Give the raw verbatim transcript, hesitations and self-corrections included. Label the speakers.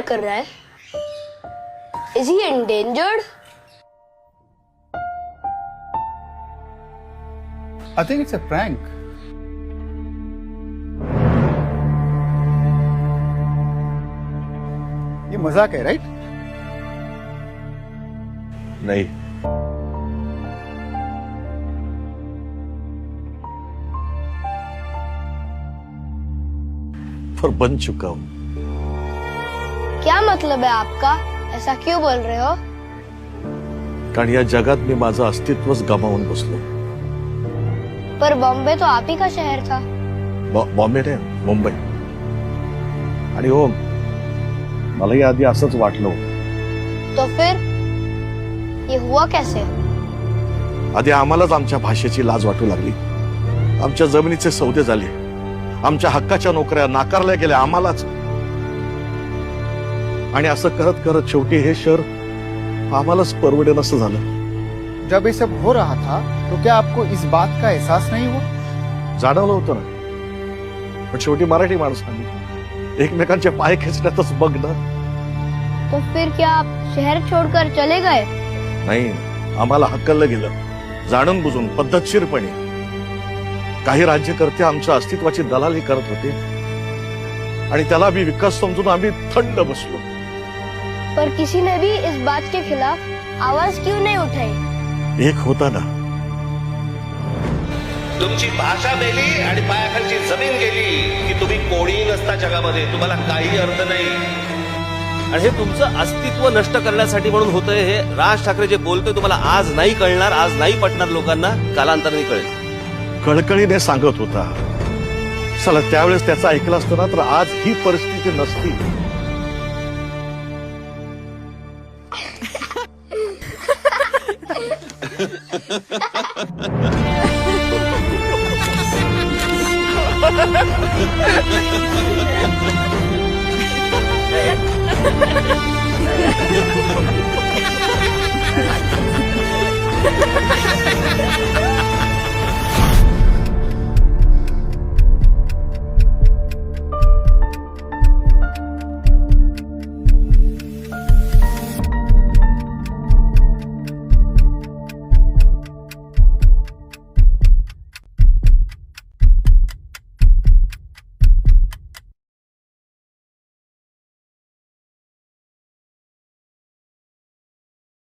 Speaker 1: कर रहा है? Is he endangered?
Speaker 2: I think it's a prank. ये मजाक है, राइट?
Speaker 3: नहीं, पर बन चुका हूं।
Speaker 1: क्या मतलब है आपका? ऐसा क्यों बोल रहे हो?
Speaker 3: कारण या जगात मी माझं अस्तित्वच गमावून बसलो।
Speaker 1: पर बॉम्बे तो आप ही का शहर था।
Speaker 3: बॉ- बॉम्बे नाही, मुंबई। आणि हो, मलाही आधी असंच वाटलं होतं।
Speaker 1: तो फिर ये हुआ कैसे?
Speaker 3: आधी आम्हालाच आमच्या भाषेची लाज वाटू लागली, आमच्या जमिनीचे सौदे झाले, आमच्या हक्काच्या नोकऱ्या नाकारल्या गेल्या आम्हालाच। आणि असं करत करत शेवटी हे शहर आम्हालाच परवडेन असं झालं।
Speaker 2: जब ये सब हो रहा था तो क्या आपको इस बात का एहसास नहीं हुआ?
Speaker 3: जाणवलं होतं ना, पण शेवटी मराठी माणसांनी एकमेकांचे पाय खेचण्यातच बघ ना।
Speaker 1: तो फिर क्या आप शहर छोड़कर चले गए?
Speaker 3: नाही, आम्हाला हकललं गेलं, जाणून बुजून पद्धतशीरपणे। काही राज्यकर्ते आमच्या अस्तित्वाची दलाली करत होते आणि त्याला मी विकास समजून आम्ही थंड बसलो।
Speaker 1: पर किसी ने भी इस बात के खिलाफ आवाज क्यों नहीं उठाई?
Speaker 3: एक होता ना,
Speaker 4: तुमची भाषा मेली आणि पायाखालची जमीन गेली की तुम्ही कोणी नसता जगामध्ये, तुम्हाला काही अर्थ नाही।
Speaker 5: आणि हे तुमचं अस्तित्व नष्ट करण्यासाठी म्हणून होतंय। हे राज ठाकरे जे बोलतोय तुम्हाला आज नाही कळणार, आज नाही पटणार लोकांना, कालांतराने कळेल।
Speaker 3: कळकळीने सांगत होता, चला त्यावेळेस त्याचं ऐकलं असतं ना तर आज ही परिस्थिती नसती।
Speaker 1: Ha ha ha!